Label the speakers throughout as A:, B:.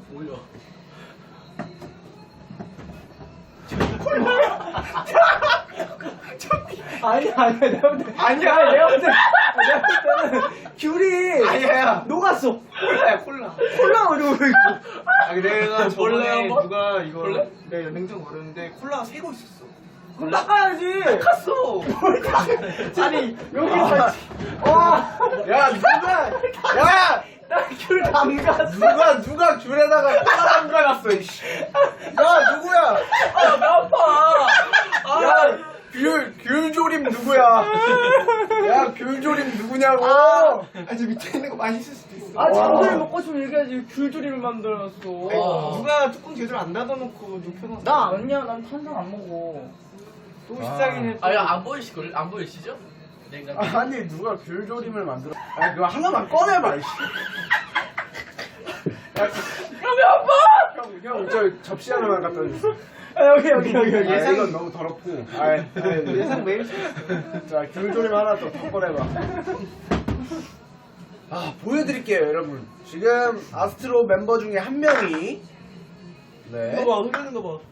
A: 올려.
B: 아니야 내가 볼 때. 아니야 내가 볼 때는 귤이
C: 아니야.
B: 녹았어.
C: 콜라야 콜라.
B: 콜라 어려워 이거.
C: 내가 저번에
A: 한번?
C: 누가 이거
A: 볼래?
C: 내가 냉장고 걸었는데 콜라가 새고 있었어.
B: 그럼 닦아야지.
C: 탔어.
B: 아니 여기서 와.
C: 야 누가 야
B: 나귤 담갔어.
C: 누가 귤에다가 콜라 담가놨어 이씨. 야 누구야?
A: 아, 나 아파.
C: 야 귤조림 누구야? 야 귤조림 누구냐고? 아니 밑에 있는 거 많이 있을 수도 있어.
B: 아 잠들 먹고 싶으면 얘기하지. 귤조림을 만들어놨어.
C: 누가 뚜껑 제대로 안 닫아놓고 눕혀놨어.
B: 나 아니야. 난 탄산 안 먹어.
C: 또 시작이네.
A: 아, 안 보이시걸? 안 보이시죠? 냉장고.
C: 아니 누가 귤조림을 만들어? 아 그거 하나만 꺼내봐 이씨.
A: 왜 아파?
C: 형 저 접시 하나만 갖다 주세요.
B: 아, 여기.
C: 예상 이건 너무 더럽고. 예상 매일. 자 귤조림 하나 더 꺼내봐. 아 보여드릴게요 여러분. 지금 아스트로 멤버 중에 한 명이 네.
A: 이거 봐, 흔드는 거 봐.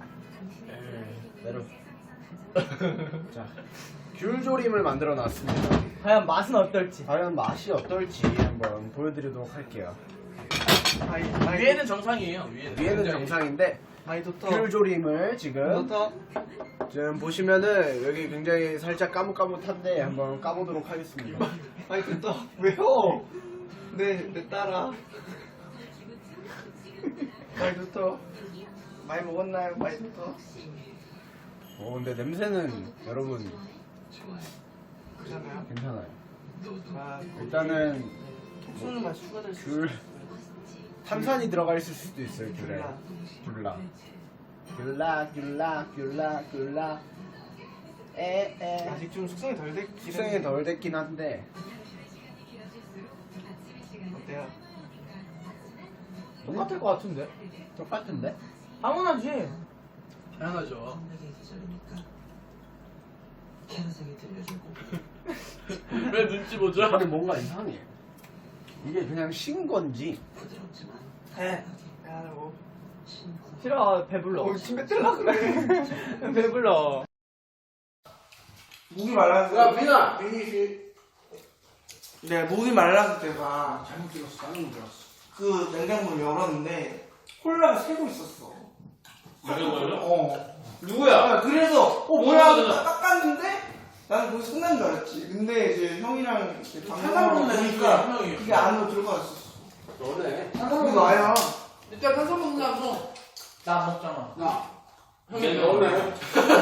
C: 내려. 자 귤조림을 만들어 놨습니다.
B: 과연 맛은 어떨지.
C: 과연 맛이 어떨지 한번 보여드리도록 할게요.
A: 위에는 정상이에요. 위에는
C: 위에는 정상인데
A: 많이 좋다.
C: 귤조림을 지금
A: 좋다.
C: 지금 보시면은 여기 굉장히 살짝 까뭇까뭇한데 한번 까보도록 하겠습니다.
A: 많이 좋다. 왜요? 내 딸아. 많이 좋다. 많이 먹었나요? 많이 좋다.
C: 근데 냄새는 여러분
A: 그렇잖아요.
C: 괜찮아요.
A: 아,
C: 일단은
A: 쏘는 맛이 추가될 수 있어.
C: 귤 탄산이 들어가 있을 수도 있어요. 귤에 귤라 에에
A: 아직 좀 숙성이 덜 됐긴
C: 숙성이 덜 됐긴 한데
A: 어때요?
B: 똑같을 것 같은데.
C: 똑같은데?
B: 당연하지.
A: 당연하죠. 왜 눈치 보죠?
C: 근데 뭔가 이상해. 이게 그냥 신 건지
A: 해. 야, 뭐.
B: 싫어. 배불러.
A: 침 뱉으려 그래.
B: 배불러.
A: 목이 말랐어.
C: 야, 민아!
A: 네, 목이 말랐을 때가
C: 잘못 들었어.
A: 그 냉장고를 열었는데 콜라가 새고 있었어. 누구야? 그래서 뭐야 하고 닦았는데 나는 거기 끝난 줄 알았지. 근데 이제 형이랑 탄산물 내니까 그게 안으로 들어갔었어.
C: 너네.
A: 탄산물 나야.
D: 일단 탄산 먹는 사람
B: 나 안 먹잖아.
C: 나.
D: 형이
C: 너네.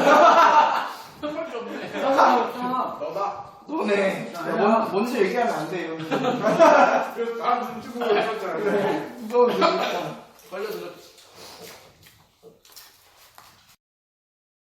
D: 형밖에 없네.
C: 너다.
A: 너네. 먼저 얘기하면 안 돼요.
C: 그래서 나 눈치 보고 있었잖아.
A: 무서운 얘기했잖아.
D: 걸려들었지.